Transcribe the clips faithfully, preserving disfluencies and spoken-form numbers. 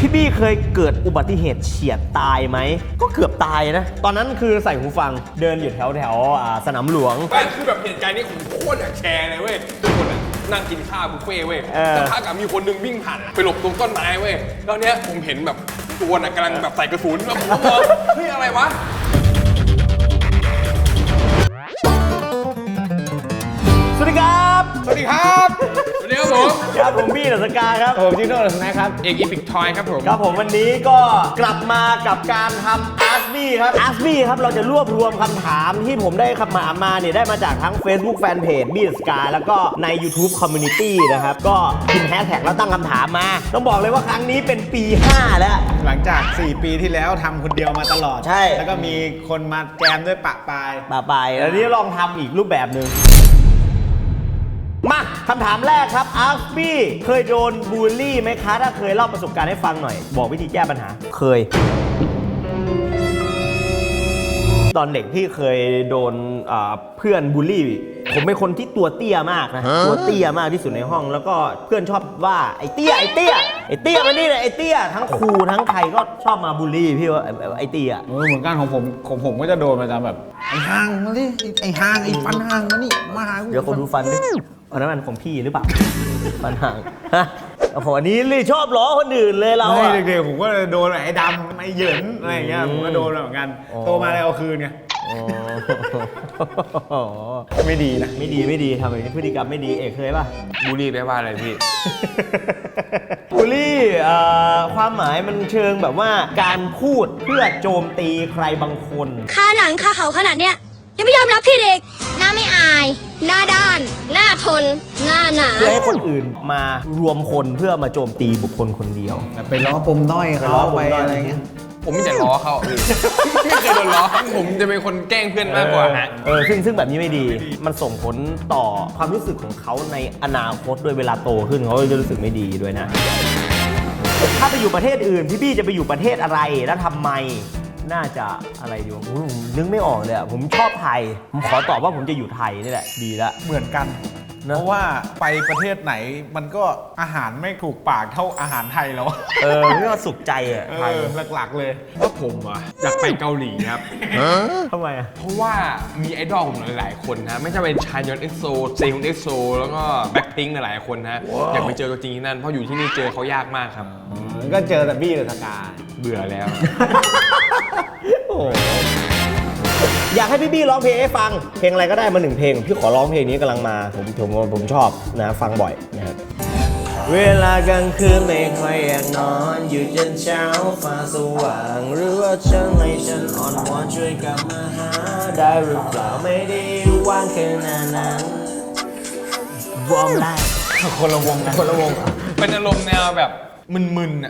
พี่บี้เคยเกิดอุบัติเหตุเฉียดตายไหมก็เกือบตายนะตอนนั้นคือใส่หูฟังเดินอยู่แถวแถวสนามหลวงไม่คือแบบเหตุการณ์นี้ผมโคตรอยากแชร์เลยเว้ยทุกคนนั่งกินข้าวบุฟเฟ่เว้ยแต่ถ้ากับมีคนนึงวิ่งผ่านไปหลบตรงต้นไม้เว้ยแล้วเนี้ยผมเห็นแบบตัวน่ะกำลังแบบใส่กระสุนแล้วผมก็มองเฮ้ยอะไรวะสวัสดีครับสวัสดีครับสวัสดีครับผมครับผมบี้ดัสกาครับผมจิโน่นะครับเอกอีพิกทอยครับผมครับผมวันนี้ก็กลับมากับการทำอาร์สบี้ครับอาร์สบี้ครับเราจะรวบรวมคำถามที่ผมได้คำถามมาเนี่ยได้มาจากทั้ง Facebook Fanpage บี้ดัสกาแล้วก็ใน YouTube Community นะครับก็พิมพ์แฮชแท็กแล้วตั้งคำถามมาต้องบอกเลยว่าครั้งนี้เป็นปีห้าแล้วหลังจากสี่ปีที่แล้วทำคนเดียวมาตลอดใช่แล้วก็มีคนมาแจมด้วยปะปายปะปายแล้วนี้ลองทำอีกรูปแบบหนึ่งมาคำถามแรกครับอาร์บี้เคยโดนบูลลี่ไหมคะถ้าเคยเล่าประสบการณ์ให้ฟังหน่อยบอกวิธีแก้ปัญหาเคยตอนเด็กพี่เคยโดนเพื่อนบูลลี่ผมเป็นคนที่ตัวเตี้ยมากนะตัวเตี้ยมากที่สุดในห้องแล้วก็เพื่อนชอบว่าไอ้เตี้ยไอ้เตี้ยไอ้เตี้ยมันนี่เลยไอ้เตี้ยทั้งครูทั้งใครก็ชอบมาบูลลี่พี่ว่าไอ้เตี้ยเหมือนกันของผมของผมก็จะโดนมาจากแบบไอ้ห่างมาดิไอ้ห่างไอ้ฟันห่างมานี่มาหาเดี๋ยวคนดูฟันดิอันนั้นมันของพี่หรือเปล่าฟันห่างฮะโอ้โหอันนี้เลยชอบล้อคนอื่นเลยเราอะเด็กๆผมก็โดนไอ้ดำไอ้เหยินอะไรอย่างเงี้ยผมก็โดนเหมือนกันโตมาเลยเอาคืนไงไม่ดีนะไม่ดีไม่ดีทำแบบนี้พฤติกรรมไม่ดีเอกเคยป่ะบูลลี่ได้ว่าอะไรพี่บูลลี่ความหมายมันเชิงแบบว่าการพูดเพื่อโจมตีใครบางคนค่าหนังค่าเขาขนาดเนี้ยยังไม่ยอมรับพี่เด็กหน้าไม่อายหน้าด้านหน้าทนหน้าหนาเพื่อให้คนอื่นมารวมคนเพื่อมาโจมตีบุคคลคนเดียวไปล้อปมด้อยเขาล้อไปอะไรเงี้ยผมไม่จะล้อเขาไม่เคยโดนล้อผมจะเป็นคนแกล้งเพื่อนมากกว่าฮะเออซึ่งซึ่งแบบนี้ไม่ดีมันส่งผลต่อความรู้สึกของเขาในอนาคตด้วยเวลาโตขึ้นเขาจะรู้สึกไม่ดีด้วยนะถ้าไปอยู่ประเทศอื่นพี่บี้จะไปอยู่ประเทศอะไรแล้วทำไมน่าจะอะไรดีวะนึกไม่ออกเลยผมชอบไทยผมขอตอบว่าผมจะอยู่ไทยนี่แหละดีละเหมือนกันเพราะว่าไปประเทศไหนมันก็อาหารไม่ถูกปากเท่าอาหารไทยแล้วเออไม่ว่าสุขใจอ่ะไทยหลักๆเลยว่าผมอ่ะอยากไปเกาหลีครับทำไมอ่ะเพราะว่ามีไอดอลผมหลายๆคนนะไม่ใช่เป็นชายอนเอ็กโซเซฮุนเอ็กโซแล้วก็แบ็คพิงค์หลายๆคนนะอยากไปเจอตัวจริงที่นั่นเพราะอยู่ที่นี่เจอเขายากมากครับก็เจอแต่บี้กับสกาเบื่อแล้วอยากให้พี่บี้ร้องเพลงให้ฟังเพลงอะไรก็ได้มาหนึ่งเพลงพี่ขอร้องเพลงนี้กำลังมาผมผมผมชอบนะฟังบ่อยนะครับเวลากลางคืนไม่ค่อยอยากนอนอยู่จนเช้าฟ้าสว่างหรือว่าฉันให้ฉันอ่อนวอนช่วยกลับมาหาได้หรือเปล่าไม่ได้ว่างแค่นั้นนั้นวอร์มไลฟ์คนละวงนะคนละวงเป็นอารมณ์แนวแบบมึนๆอ่ะ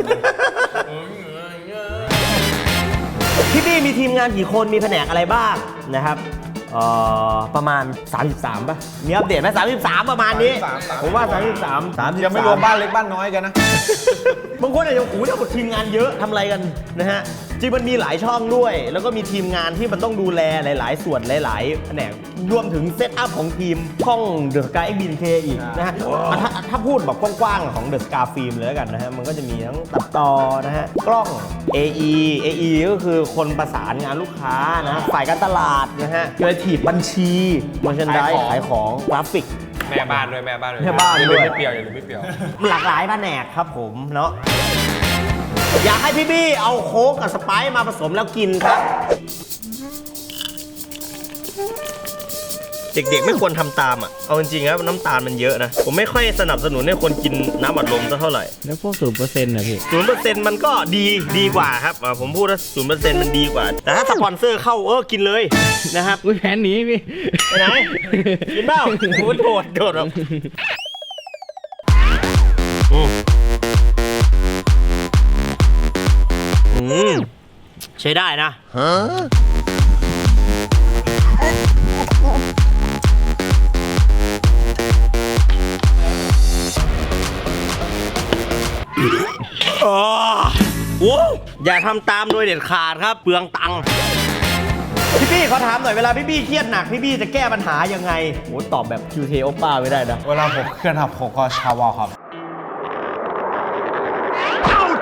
พี่บี้มีทีมงานกี่คนมีแผนกอะไรบ้างนะครับประมาณสามสิบสามป่ะมีอัปเดตไหมสามสิบสามประมาณนี้ผมว่าสามสิบสามสามยังไม่รวมบ้านเล็กบ้านน้อยกันนะบางคนอาจจะโอ้โหถ้าทีมงานเยอะทำอะไรกันนะฮะจริงมันมีหลายช่องด้วยแล้วก็มีทีมงานที่มันต้องดูแลหลายๆส่วนหลายๆแผนกรวมถึงเซตอัพของทีมช่องเดอะสกา เอ็กซ์ บี เค อีกนะฮะถ้าถ้าพูดแบบกว้างๆของเดอะสกาฟิล์มเลยแล้วกันนะฮะมันก็จะมีทั้งตัดต่อนะฮะกล้อง เอ อี เอ อี ก็คือคนประสานงานลูกค้านะฝ่ายการตลาดนะฮะครีเอทีฟบัญชีมาร์ชันไดส์ขายของกราฟิกแม่บ้านด้วยแม่บ้านด้วยแม่บ้านด้วยไม่เปรี้ยวอย่าลืมไม่เปรี้ยวหลากหลายแผนกครับผมเนาะอยากให้พี่บี้เอาโค้กกับสไปซ์มาผสมแล้วกินครับเด็กๆไม่ควรทำตามอ่ะเอาจริงๆนะน้ำตาลมันเยอะนะผมไม่ค่อยสนับสนุนให้คนกินน้ำอัดลมเท่าไหร่แล้วพวกศูนย์เปอร์เซ็นต์นะพี่ศูนย์เปอร์เซ็นต์มันก็ดีดีกว่าครับผมพูดว่าศูนย์เปอร์เซ็นต์มันดีกว่าแต่ถ้าสปอนเซอร์เข้าเออกินเลยนะครับอุ้ยแผนหนีพี่ไปไหนกินเปล่าโหดโดดโดดแบบอืมใช้ได้นะฮะโอ้อย่าทำตามโดยเด็ดขาดครับเปลืองตังค์พี่บี้เขาถามหน่อยเวลาพี่บี้เครียดหนักพี่บี้จะแก้ปัญหายังไงโอ้ตอบแบบคิวเทโอป้าไม่ได้นะเวลาผมเครียดครับผมก็ชาวอครับ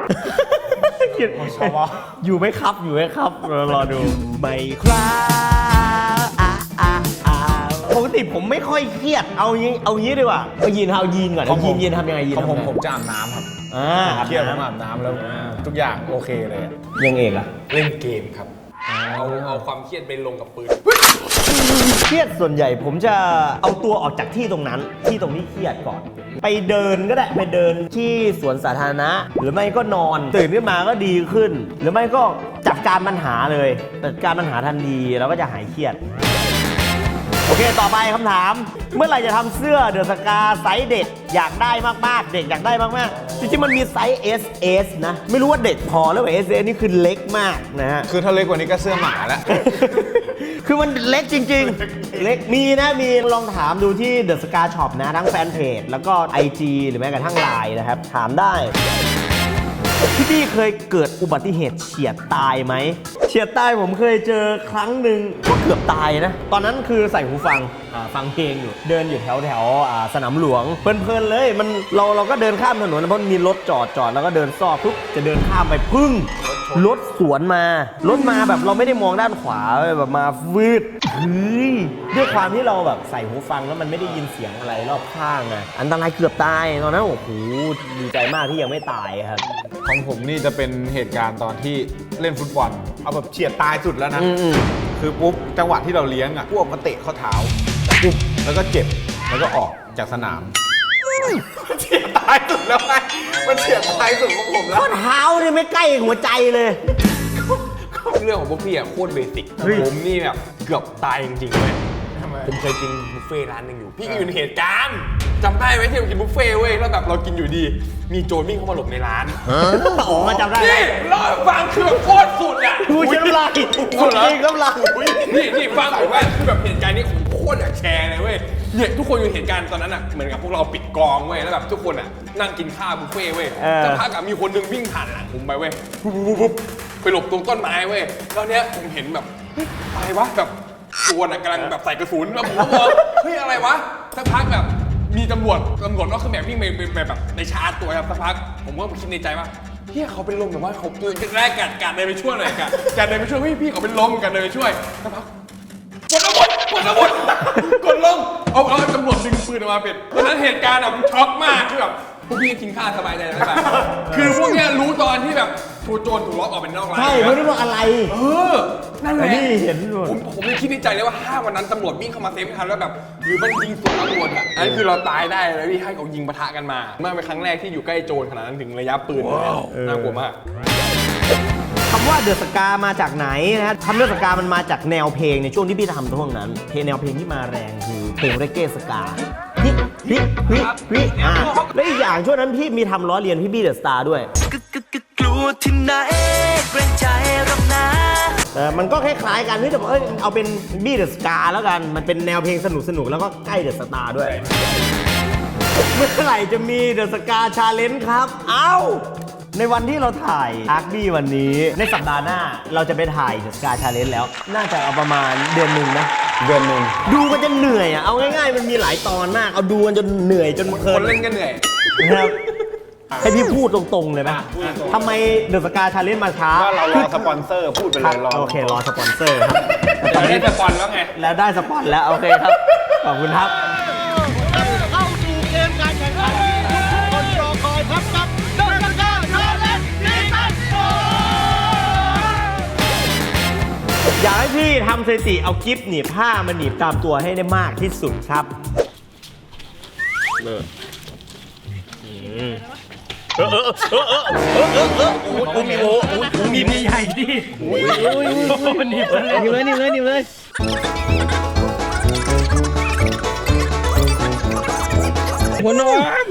อยู่ไหมครับอยู่ไหมครับรอดูไม่ครับอ่ะอ่ะอ่ะปกติผมไม่ค่อยเครียดเอางี้เอางี้ดีกว่าเอายีนเอายีนก่อนเอายีนยีนทำยังไงยีนของผมทำยังไงผมจะอาบน้ำครับอ่าเครียดผมอาบน้ำแล้วทุกอย่างโอเคเลยอะยังเอกอะเล่นเกมครับเอาเอาความเครียดไปลงกับปืนเครียดส่วนใหญ่ผมจะเอาตัวออกจากที่ตรงนั้นที่ตรงที่เครียดก่อน ไปเดินก็ได้ไปเดินที่สวนสาธารณะหรือไม่ก็นอนตื่นขึ้นมาก็ดีขึ้น หรือไม่ก็จัดการปัญหาเลยจัดการปัญหาทันทีแล้วก็จะหายเครียด โอเค ต่อไปคำถาม เมื่อไหร่จะทำเสื้อเดอะสกาไซส์เด็กอยากได้มากๆ เด็กอยากได้มากๆ จริงๆ มันมีไซส์ เอส เอส นะ ไม่รู้ว่าเด็กพอแล้วว่า เอส เอส นี่คือเล็กมากนะฮะคือถ้าเล็กกว่านี้ก็เสื้อหมาแล้วคือมันเล็กจริงๆ เล็ก มีนะ มีลองถามดูที่ The Scar Shop นะ ทั้งแฟนเพจ แล้วก็ ไอ จี หรือแม้กระทั่ง ไลน์ นะครับ ถามได้ พี่พี่เคยเกิดอุบัติเหตุเฉียดตายไหม เฉียดตายผมเคยเจอครั้งหนึ่งก็เกือบตายนะ ตอนนั้นคือใส่หูฟังอ่าฟังเพลงอยู่ เดินอยู่แถวแถวอ่าสนามหลวง เพลินๆเลย มันเราเราก็เดินข้ามถนนเพราะมีรถจอดจอดแล้วก็เดินซอกปุ๊บจะเดินข้ามไปพึ่ง รถสวนมา รถมาแบบเราไม่ได้มองด้านขวาแบบมาวืดเฮ้ยด้วยความที่เราแบบใส่หูฟังแล้วมันไม่ได้ยินเสียงอะไรรอบข้างอะอันตรายเกือบตายตอนนั้นโอ้โหดีใจมากที่ยังไม่ตายครับของผมนี่จะเป็นเหตุการณ์ตอนที่เล่นฟุตบอล เอาแบบเฉียดตายสุดแล้วนะอืมคือปุ๊บจังหวะที่เราเลี้ยงอ่ะพวกมาเตะข้อเท้าปุ๊บแล้วก็เจ็บแล้วก็ออกจากสนามมันเฉียดตายสุดแล้วไงมันเฉียดตายสุดของผมแล้วข้อเท้าเนี่ยไม่ใกล้หัวใจเลยเรื่องของพวกพี่อะโคตรเบสิกเฮ้ยผมนี่แบบเกือบตายจริงๆเลยผมเคยกินบุฟเฟ่ต์ร้านหนึ่งอยู่ พี่ก็อยู่ในเหตุการณ์จำได้ไหมที่เรากินบุฟเฟ่ต์เว้ยแล้วแบบเรากินอยู่ดี มีโจรวิ่งเข้ามาหลบในร้านโอ้จำได้นี่เล่าให้ฟังคือแบบโคตรสุดอ่ะดูฉันน้ำลายสุดเหรอจริงน้ำลายนี่นี่ฟังผมว่าคือแบบเหตุการณ์นี้ผมโคตรอยากแชร์เลยเว้ยเนี่ยทุกคนอยู่เหตุการณ์ตอนนั้นอ่ะเหมือนกับพวกเราปิดกองเว้ยแล้วแบบทุกคนอ่ะนั่งกินข้าวบุฟเฟ่ต์เว้ยสักพักอ่ะมีคนหนึงวิ่งผ่านหลังผมไปเว้ยปุ๊บปุ๊บปุ๊บไปหลบตรงต้นไม้เว้ยแล้วเนี้ยผมเห็นแบบเฮ้ยอะไรวะแบบตัวน่ะกำลังแบบใส่กระสุนแล้วผมก็มองเฮ้ยอะไรวะสักพักแบบมีตำรวจตำรวจก็คือแบบวิ่งไปไปแบบในชาร์จตัวครับสักพักผมก็คิดในใจว่าเฮียเขาเป็นลมแต่ว่าเขาตัวแรกกัดกัดเดินไปช่วยหน่อยกัดกัดเดินไปช่วยพี่พี่เขาเป็นลมกัดเดินไปช่วยสักพักกดอาวุธกดอาวุธกดลงเอาเอาตำรวจดึงปืนออกมาเป็นตอนนั้นเหตุการณ์อะผมช็อกมากคือแบบพวกพี่กินข้าวสบายใจแล้วแบบคือพวกเนี้ยรู้ตอนที่แบบถูกโจรถูกล็อกออกเป็นนอกร้านใช่ไม่ได้บอกอะไรเออนั่นแหละนี่เห็นหมดผมผมยังคิดในใจเลยว่าถ้าวันนั้นตำรวจวิ่งเข้ามาเซฟไม่ทันแล้วแบบหรือมันยิงสวนตำรวจอ่ะอันนี้คือเราตายได้เลยพี่ให้เขายิงปะทะกันมาเมื่อเป็นครั้งแรกที่อยู่ใกล้โจรขนาดนั้นถึงระยะปืนเลยน่ากลัวมากคำว่าเดอะสกามาจากไหนนะฮะคำเดอะสกามันมาจากแนวเพลงในช่วงที่พี่ทำช่วงนั้น เพลงแนวเพลงที่มาแรงคือเพลงเรเก้สกาฮิฮิฮิฮิอ่าและอีกอย่างช่วงนั้นพี่มีทำล้อเลียนพี่บี้เดอะสตาร์ด้วยกลัวที่ไหนเกรงใจหรอกนะเออมันก็คล้ายๆกันที่จะบอกเอ้ยเอาเป็นบี้เดอะสกาแล้วกันมันเป็นแนวเพลงสนุกๆแล้วก็ใกล้เดอะสตาร์ด้วย เมื่อไหร่จะมีเดอะสกาชาเลนจ์ครับ เอ้า ในวันที่เราถ่ายอาร์คบี้วันนี้ ในสัปดาห์หน้าเราจะไปถ่ายเดอะสกาชาเลนจ์แล้ว น่าจะเอาประมาณเดือนหนึ่งนะเดือนหนึ่งดูมันจะเหนื่อยอ่ะ เอาง่ายๆ มันมีหลายตอนมาก เอาดูมันจนเหนื่อยจนเพลิคน นเล่นก็เหนื่อยนะครับ ให้พี่พูดตรงๆเลยไหมทำไมเดอะสกาชาเลนจ์มาช้าว่าเรารอสปอนเซอร์พูดไปเลยรอโอเค รอสปอนเซอร์ครับตอนนี้สปอนแล้วไงแล้วได้สปอนแล้ว โอเคครับ ขอบคุณครับเข้าสู่เกมการแข่งขันที่ทุกคนรอคอยครับกับเดอะสกาชาเลนจ์ซีซั่นโฟร์อยากให้พี่ทำสถิติเอากิฟต์หนีบผ้ามาหนีบตามตัวให้ได้มากที่สุดครับเออเออเออเออเออเออเออเออเออโอ้โหมีโอ้โหมีมีใหญ่ดิโอ้ยมันหนีบเลยหนีบเลยหนีบเลยหนีบเลยหัวนอน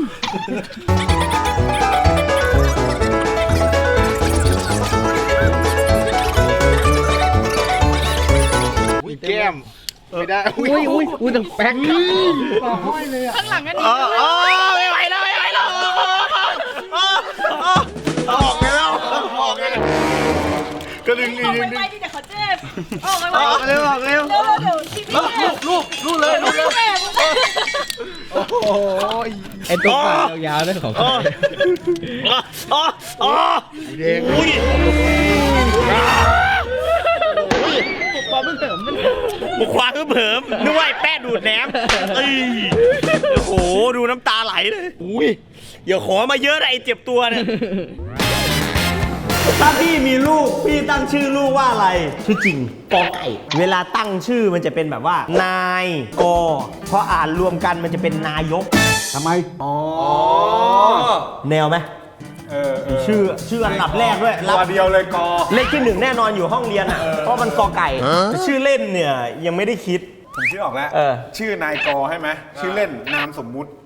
แก้มไม่ได้อุ้ยอุ้ยอุ้ยตั้งแป๊กต่อห้อยเลยอ่ะข้างหลังก็ดีไม่ไหวแล้วไม่ไหวแล้วออกแล้วออกแล้วก็ดึงดึงดึงไปดิเดี๋ยวเขาเจ็บออกไปออกเร็วออกเร็วเร็วเดี๋ยวชีวิตลูกลูกลูกเลยลูกเลยแม่โอ้โหไอ้ตัวปากยาวๆนั่นของใครอ๋ออ๋ออ๋อเด็กอุ้ยความเผิมมันบุกความเผิมนึกว่าไอ้แป้ดูดแหนมเอ้ยโอ้โหดูน้ำตาไหลเลยอุ้ยอย่าขอมาเยอะนะไอ้เจ็บตัวเนี่ยถ้าพี่มีลูกพี่ตั้งชื่อลูกว่าอะไรชื่อจริงกอไก่เวลาตั้งชื่อมันจะเป็นแบบว่านายกอพออ่านรวมกันมันจะเป็นนายกทำไม อ๋อแนวไหมเออเออชื่อชื่ออันดับแรกด้วยตัวเดียวเลยกอเลขที่หนึ่งแน่นอนอยู่ห้องเรียนอ่ะเพราะมันกอไก่แต่ชื่อเล่นเนี่ยยังไม่ได้คิดผมชื่อออกแล้วเออชื่อนายกอใช่ไหม ชื่อเล่นนามสมมุติ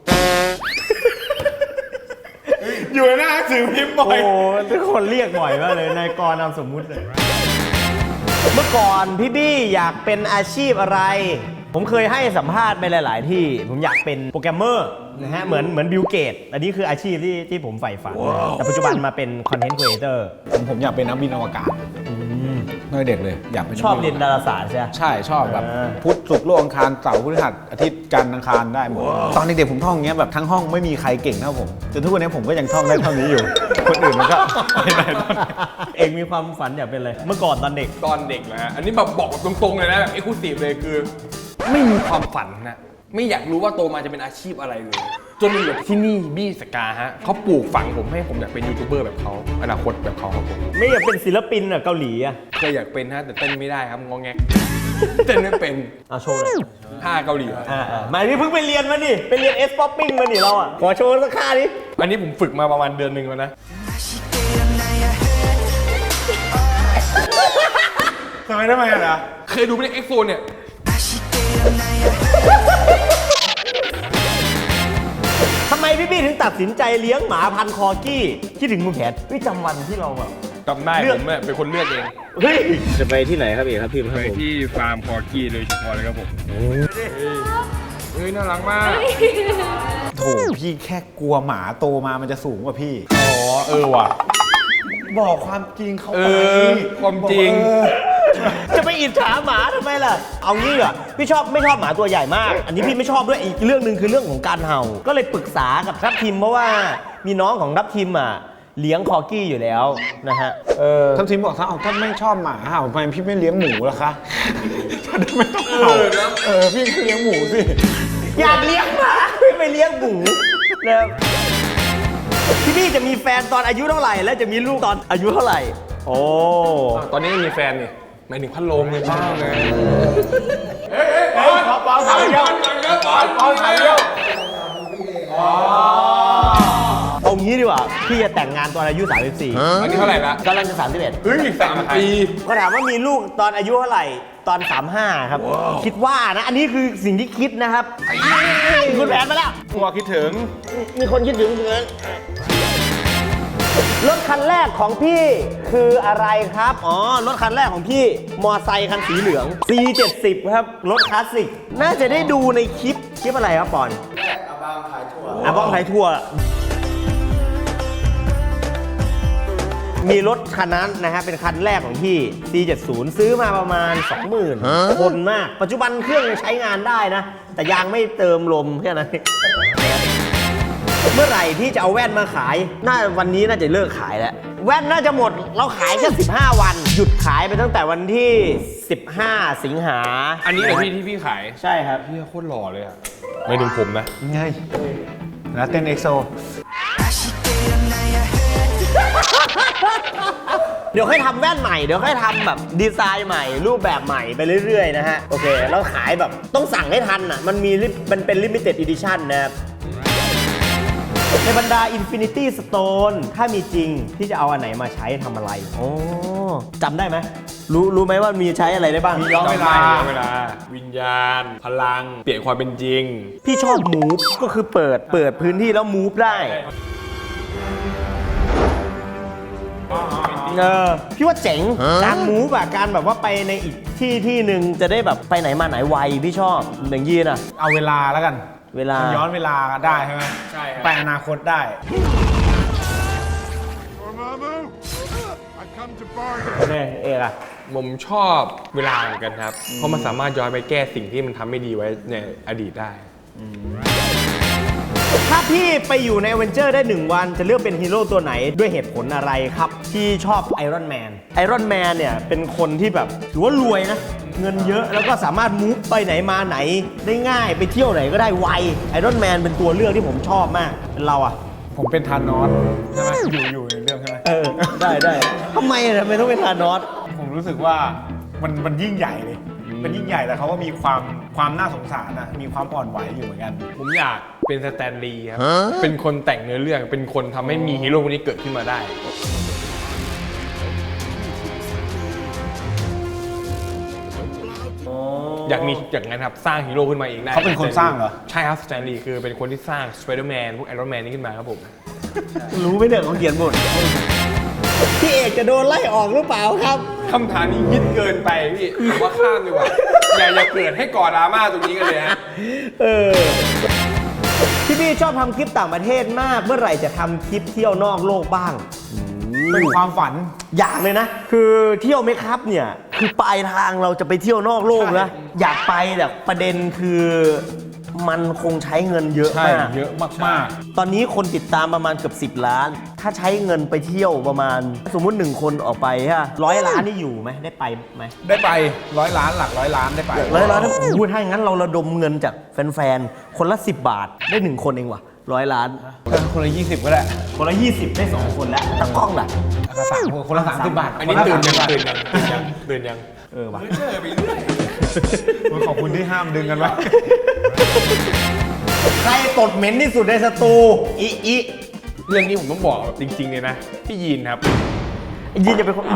อยู่ในหน้าหนังสือพิมพ์บ่อยโอ้ทุกคนเรียกบ่อยมากเลยนายกรนามสมมุติเลยเมื่อก่อนพี่บี้อยากเป็นอาชีพอะไร ผมเคยให้สัมภาษณ์ไปหลาย ๆ ที่ผมอยากเป็นโปรแกรมเมอร์นะฮะเหมือนเหมือนบิลเกตอันนี้คืออาชีพที่ที่ผมใฝ่ฝันแต่ปัจจุบันมาเป็นคอนเทนต์ครีเอเตอร์ผมผมอยากเป็นนักบินอวกาศเมื่อเด็กเลย อยากเป็นชอบเรียนดาราศาสตร์ใช่ไหมใช่ชอบแบบอ่าพุธศุกร์โลกอังคารเสาร์พฤหัสอาทิตย์จันทร์อังคารได้หมด ตอนเด็กๆผมท่องอย่างเงี้ยแบบทั้งห้องไม่มีใครเก่งเท่าผมจนทุกวันนี้ผมก็ยังท่องได้เท่านี้อยู่ คนอื่นมันก็ไม่ได้เท่านี้เองมีความฝันอยากเป็นอะไรเมื่อก่อนตอนเด็กตอนเด็กนะฮะอันนี้แบบบอกตรงๆเลยนะแบบเอ็กซ์คลูซีฟเลยคือ ไม่มีความฝันนะไม่อยากรู้ว่าโตมาจะเป็นอาชีพอะไรเลยจนมาอยู่ที่นี่บี้สกาฮะเขาปลูกฝังผมให้ผมอยากเป็นยูทูบเบอร์แบบเขาอนาคตแบบเขาครับผมไม่อยากเป็นศิลปินอ่ะเกาหลีอ่ะเคยอยากเป็นฮะแต่เต้นไม่ได้ครับงอแงกเต้นไม่เป็นเอาโชว์เลยท่าเกาหลีครับอ่าอ่ามานี่เพิ่งไปเรียนมาดิไปเรียนเอสป๊อปปิ้งมาดิเราอ่ะขอโชว์สักค่าดิอันนี้ผมฝึกมาประมาณเดือนหนึ่งแล้วนะทำไมทำไมอะนะเคยดูไหมเอ็กโซเนี่ยทำไมพี่บี้ถึงตัดสินใจเลี้ยงหมาพันธุ์คอกี้คิดถึงคุณแผนพี่จำวันที่เราแบบจำได้เลือกผมเนี่ยเป็นคนเลือกเองเฮ้ยจะไปที่ไหนครับเอกครับพี่ครับไปผมที่ฟาร์มคอกี้โดยเฉพาะเลยครับผมเฮ้ยน่ารักมากโถพี่แค่กลัวหมาโตมามันจะสูงกว่าพี่อ๋อเออว่ะบอกความจริงเขาเอไปอความจริงเออจะไปอิจฉาหมาทำไมล่ะเอางี้เหรอพี่ชอบไม่ชอบหมาตัวใหญ่มาก อันนี้พี่ไม่ชอบด้วยอีกเรื่องหนึ่งคือเรื่องของการเห่าก็เลยปรึกษากับทัพทิมเพราะว่ามีน้องของทัพทิมอ่ะเลี้ยงคอกี้อยู่แล้วนะฮะเออท่านทีมบอกถ้าเอาท่านไม่ชอบหมาเห่าทำไมพี่ไม่เลี้ยงหมูล่ะคะท่านไม่ต้องเห่าเออพี่ก็เลี้ยงหมูสิอยากเลี้ยงหมาไม่ไปเลี้ยงหมูนะครับพี่บี้จะมีแฟนตอนอายุเท่าไหร่และจะมีลูกตอนอายุเท่าไหร่โอ้ตอนนี้มีแฟนนี่หมายถึงพัดลมเลยบ้างเลยปอนปอนถามเดียวปอนปอนถามเดียวเอางี้ดีกว่าพี่จะแต่งงานตอนอายุสามสิบสี่อันนี้เท่าไหร่ละกำลังจะสามสิบเอ็ดเฮ้ยสามปีก็ถามว่ามีลูกตอนอายุเท่าไหร่ตอนสามห้าครับคิดว่านะอันนี้คือสิ่งที่คิดนะครับคุณแผนมาแล้วตัวคิดถึงมีคนคิดถึงเงินรถคันแรกของพี่คืออะไรครับ อ๋อ รถคันแรกของพี่ มอไซค์คันสีเหลือง ซี เจ็ดสิบ ครับ รถคลาสสิก น่าจะได้ดูในคลิป คลิปอะไรครับปอนอาบ้างขายทั่วอาบ้างขายทั่ว มีรถคันนั้นนะฮะ เป็นคันแรกของพี่ ซี เจ็ดสิบ ซื้อมาประมาณ สองหมื่น คนมาก ปัจจุบันเครื่องยังใช้งานได้นะ แต่ยางไม่เติมลมแค่นั้น เมื่อไหร่ที่จะเอาแว่นมาขาย น่าวันนี้น่าจะเลิกขายแล้ว แว่นน่าจะหมด เราขายแค่สิบห้าวัน หยุดขายไปตั้งแต่วันที่สิบห้าสิงหาอันนี้เหรอพี่ที่พี่ขายใช่ครับพี่โคตรหล่อเลยอะไม่ถึงผมนะไงแล้วเต้นเอ็กโซเดี๋ยวค่อยทำแว่นใหม่ เดี๋ยวค่อยทำแบบดีไซน์ใหม่ รูปแบบใหม่ไปเรื่อยๆนะฮะ โอเค เราขายแบบต้องสั่งให้ทันอ่ะ มันมีลิมันเป็น limited edition นะครับ ในบรรดา Infinity Stone ถ้ามีจริงพี่จะเอาอันไหนมาใช้ทำอะไรโอ้จำได้ไหมรู้รู้ไหมว่ามีใช้อะไรได้บ้างย้อนเวลาย้อนเวลา วิญญาณ พลัง เปลี่ยนความเป็นจริงพี่ชอบ move ก็คือเปิดเปิดพื้นที่แล้ว move ได้เออพี่ว่าเจ๋งการ move อะการแบบว่าไปในอีกที่ที่หนึ่งจะได้แบบไปไหนมาไหนไวพี่ชอบอย่างยีนอะเอาเวลาแล้วกันเวลาย้อนเวลาได้ใช่ไหมใช่ครับไปอนาคตได้เนี่ยเอกอะผมชอบเวลาเหมือนกันครับ เพราะมันสามารถย้อนไปแก้สิ่งที่มันทำไม่ดีไว้ในอดีตได้ถ้าพี่ไปอยู่ในเวนเจอร์ได้หนึ่งวันจะเลือกเป็นฮีโร่ตัวไหนด้วยเหตุผลอะไรครับที่ชอบไอรอนแมนไอรอนแมนเนี่ยเป็นคนที่แบบถือว่ารวยนะเงินเยอะแล้วก็สามารถมูฟไปไหนมาไหนได้ง่ายไปเที่ยวไหนก็ได้ไวไอรอนแมนเป็นตัวเลือกที่ผมชอบมากเป็นเราอะผมเป็นธานอสใช่ไหมอยู่อยู่ในเรื่องใช่ไหมเออได้ได้ทำไมอะทำไมต้องเป็นธานอสผมรู้สึกว่ามันมันยิ่งใหญ่เลยมันยิ่งใหญ่แต่เขาก็มีความความน่าสงสารนะมีความอ่อนไหวอยู่เหมือนกันผมอยากเป็นสแตนลีย์ครับ เป็นคนแต่งเนื้อเรื่อง เป็นคนทำให้มีฮีโร่คนนี้เกิดขึ้นมาได้ อยากมีอย่างนั้นครับ สร้างฮีโร่ขึ้นมาเองได้เขาเป็นคนสร้างเหรอใช่ครับสแตนลีย์คือเป็นคนที่สร้างสไปเดอร์แมนพวกไอรอนแมนนี่ขึ้นมาครับผมรู้ไหมเนี่ยเขาเขียนบทพี่เอกจะโดนไล่ออกหรือเปล่าครับคำถามนี้ยิดเกินไปพี่ผมว่าข้ามดีกว่า อย่าอย่าเกิดให้ก่อดราม่าตรงนี้กันเลยฮะเออพี่พี่ชอบทำคลิปต่างประเทศมากเมื่อไหร่จะทำคลิปเที่ยวนอกโลกบ้างเป็นความฝันอยากเลยนะ คือเที่ยวไหมครับเนี่ยคือปลายทางเราจะไปเที่ยวนอกโลกนะอยากไปแต่ประเด็นคือมันคงใช้เงินเยอะใช่มากเยอะมากตอนนี้คนติดตามประมาณเกือบสิบล้าน ถ้าใช้เงินไปเที่ยวประมาณ สมมุติหนึ่งคนออกไปฮะร้อยล้านนี่อยู่ไหมได้ไปไหมๆ ได้ไปร้อยล้านหลักร้อยล้านได้ไปร้อยล้านถ้าพูดถ้าอย่างนั้นเราระดมเงินจากแฟนๆคนละสิบบาทได้หนึ่งคนเองว่ะร้อยล้านคนละยี่สิบก็ได้คนละยี่สิบได้สองคนแล้วตากล้องล่ะคนละสามคนละสามสิบบาทอันนี้ตื่นยังตื่นยังตื่นยังตื่นยังเออว่ะเจอไปเรื่อยขอบคุณที่ห้ามดึงกันไว้ใครตดเหม็นที่สุดในสตูอีอีเรื่องนี้ผมต้องบอกจริงๆเลยนะ พี่ยีนครับยินจะเป็นคน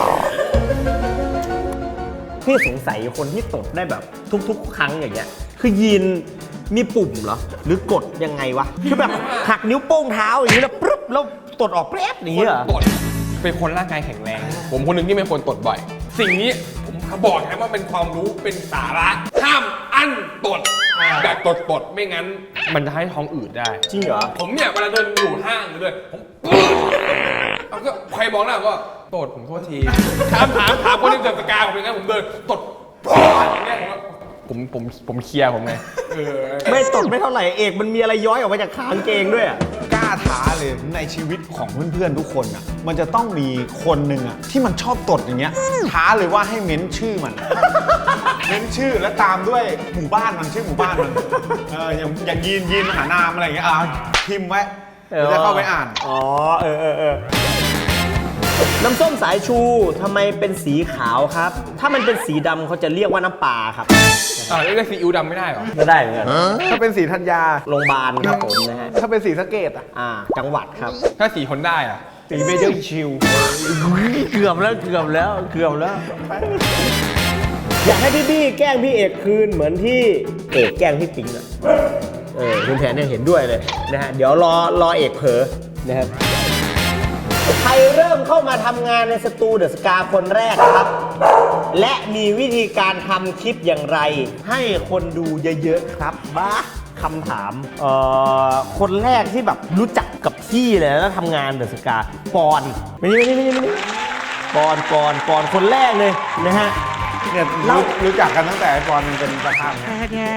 พี่สงสัยคนที่ตดได้แบบทุกๆ ครั้งอย่างเงี้ยคือยีนมีปุ่มเหรอหรือกดยังไงวะคือแบบหักนิ้วโป้งเท้าอย่างนี้แล้วปุ๊บแล้วตดออกแป๊บอย่างนี้เหรอตดเป็นคนร่างกายแข็งแรง ผมคนหนึ่งที่เป็นคนตดบ่อย สิ่งนี้ผมบอกนะว่าเป็นความรู้เป็นสาระห้ามอั้นตดแบบตดตดๆไม่งั้น มันจะให้ท้องอืดได้จริงเหรอผมเนี่ยเวลาเดินอยู่ห้างหรือเลยผมเอาก็ใครมองหน้าก็ตดผมโทษทีถามถามถามคนที่เดินสกาผมเป็นไงผมเดินตดเนี่ยผมผมผมเคลียร์ผมไงเออไม่ตดไม่เท่าไหร่เอกมันมีอะไรย้อยออกมาจากขางเกงด้วยอะกล้าท้าเลยในชีวิตของเพื่อนๆทุกคนอ่ะมันจะต้องมีคนหนึ่งอ่ะที่มันชอบตดอย่างเงี้ยท้าเลยว่าให้เม้นชื่อมัน เม้นชื่อแล้วตามด้วยหมู่บ้านมันชื่อหมู่บ้านมันเอออย่างอย่างยีนยีนมหานามอะไรอย่างเงี้ยอ่าพิมพ์ไว้เดี๋ยวจะเข้าไปอ่านอ๋อเออเออเออน้ำส้มสายชูทำไมเป็นสีขาวครับ ถ้ามันเป็นสีดำเขาจะเรียกว่าน้ำปลาครับอ่าเรียกซีอิ๊วดำไม่ได้เหรอไม่ได้เหมือนกันถ้าเป็นสีธัญญาโรงพยาบาลครับผมนะฮะถ้าเป็นสีสะเกตอ่ะอ่าจังหวัดครับถ้าสีคนได้อะสีเมเจอร์ชิลเกือบแล้วเกือบแล้วเกือบแล้ว อยากให้พี่บี้แกล้งพี่เอกคืนเหมือนที่เอกแกล้งพี่ปิ๊งอะเออคุณแผนเนี่ยเห็นด้วยเลยนะฮะเดี๋ยวรอรอเอกเผลอนะครับใครเริ่มเข้ามาทำงานในสตูเดอะสกาคนแรกครับ และมีวิธีการทำคลิปอย่างไร ให้คนดูเยอะๆครับบ้าคำถามเอ่อคนแรกที่แบบรู้จักกับพี่เลยแล้วทำงานเดอะสกาปอนไม่นี่ไม่นี่ไม่นี่ไม่นี่ปอนปอนปอนคนแรกเลยนะฮะเนี่ยรู้รู้จักกันตั้งแต่ไอ้บอลเป็นประธานเนี่ย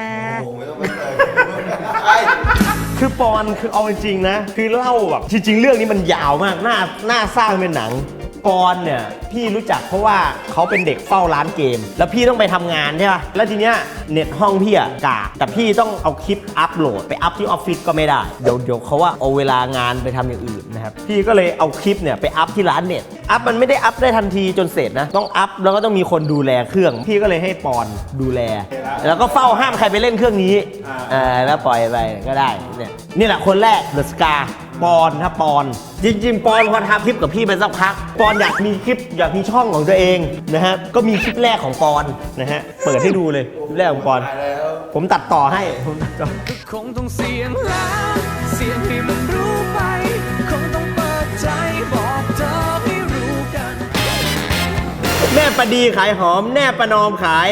คือปอนคือเอาจริงๆนะ คือเล่าแบบจริงๆ เรื่องนี้มันยาวมากน่าน่าสร้างเป็นหนังปอนเนี่ยพี่รู้จักเพราะว่าเขาเป็นเด็กเฝ้าร้านเกม แล้วพี่ต้องไปทำงานใช่ป่ะแล้วทีเนี้ยเน็ตห้องพี่อะกากแต่พี่ต้องเอาคลิปอัพโหลดไปอัพที่ออฟฟิศก็ไม่ได้เดี๋ยวเดี๋ยวเขาว่าเอาเวลางานไปทำอย่างอื่นนะครับพี่ก็เลยเอาคลิปเนี่ยไปอัพที่ร้านเน็ตอัพมันไม่ได้อัพได้ทันทีจนเสร็จนะต้องอัพแล้วก็ต้องมีคนดูแลเครื่อง พี่ก็เลยให้ปอนดูแล แล้วก็เฝ้าห้ามใครไปเล่นเครื่องนี้อ่าแล้วปล่อยไปก็ได้เนี่ยนี่แหละคนแรกเดอะสกาปอนถ้าปอนจริงๆปอนพอทำคลิปกับพี่ไปสักพักปอนอยากมีคลิปอยากมีช่องของตัวเองนะฮะก็มีคลิปแรกของปอนนะฮะเปิดให้ดูเลยคลิปแรกของปอนผมตัดต่อให้ผมตัดต่อคงต้องเสียงแล้วเสียงให้มันรู้ไปคงต้องเปิดใจบอกเธอให้รู้กันแม่ประดีขายหอมแน่ประนอมขาย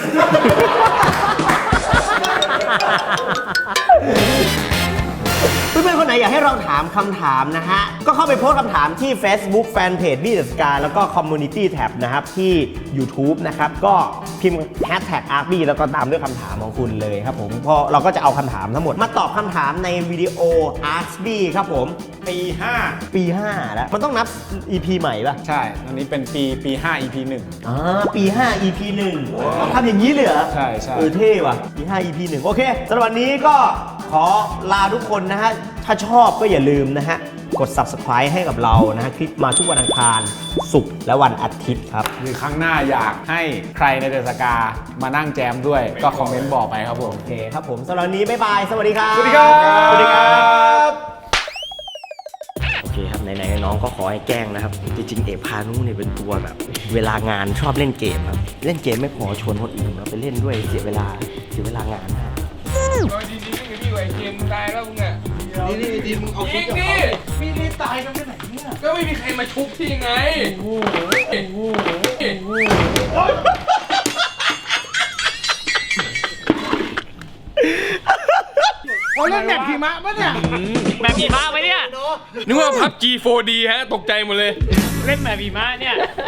ปเพื่อนๆคนไหนอยากให้เราถามคำถามนะฮะ ก็เข้าไปโพสต์คำถามที่ Facebook Fanpage บี้ เดอะ สกาย แล้วก็ Community Tab นะครับที่ YouTube นะครับ ก็พิมพ์ แฮชแท็ก อาร์คบี้ แล้วก็ตามด้วยคำถามของคุณเลยครับผมเพราะเราก็จะเอาคำถามทั้งหมดมาตอบคำถามในวิดีโอ อาร์คบี้ ครับผมปีห้าปีห้าแล้วมันต้องนับ อี พี ใหม่ป่ะใช่ อันนี้เป็นปีปีห้า อี พี หนึ่งอ่าปีห้า อี พี หนึ่งทำอย่างนี้เลยเหรอใช่ใช่เออเท่ว่ะปีห้า อี พี หนึ่งโอเคสำหรับวันนี้ก็ขอลาทุกคนนะฮะ ถ้าชอบก็อย่าลืมนะฮะ กด Subscribe ให้กับเรานะฮะ คลิปมาทุกวันอังคารศุกร์และวันอาทิตย์ครับหรือครั้งหน้าอยากให้ใครในเดอะสกามานั่งแจมด้วยก็คอมเมนต์บอกไปครับผมโอเคครับผมสำหรับวันนี้ บ๊ายบาย สวัสดีครับสวัสดีครับสวัสดีครับโอเคครับไหนๆน้องก็ขอให้แกล้งนะครับ จริงๆเอกพานุเนี่ยเป็นตัวแบบ เวลางานชอบเล่นเกมครับ เล่นเกมไม่พอชวนคนอื่นมาไปเล่นด้วยเสียเวลาเสียเวลางานมากโดยจริงๆไม่มีไวเกมตายแล้วมึงอ่ะนี่นี่ทีมเอาจชุริดงกับดิเขามีนี่ตายกันไปไหนเนี่ยก็ไม่มีใครมาชุบที่ไง โอ้โหเขาเล่นแบบหิมะปะเนี่ยแบบผีมะไหมเนี่ยนึกว่าพับ จี โฟร์ดี ฮะ ตกใจหมดเลยเล่นแบบผีมะเนี่ย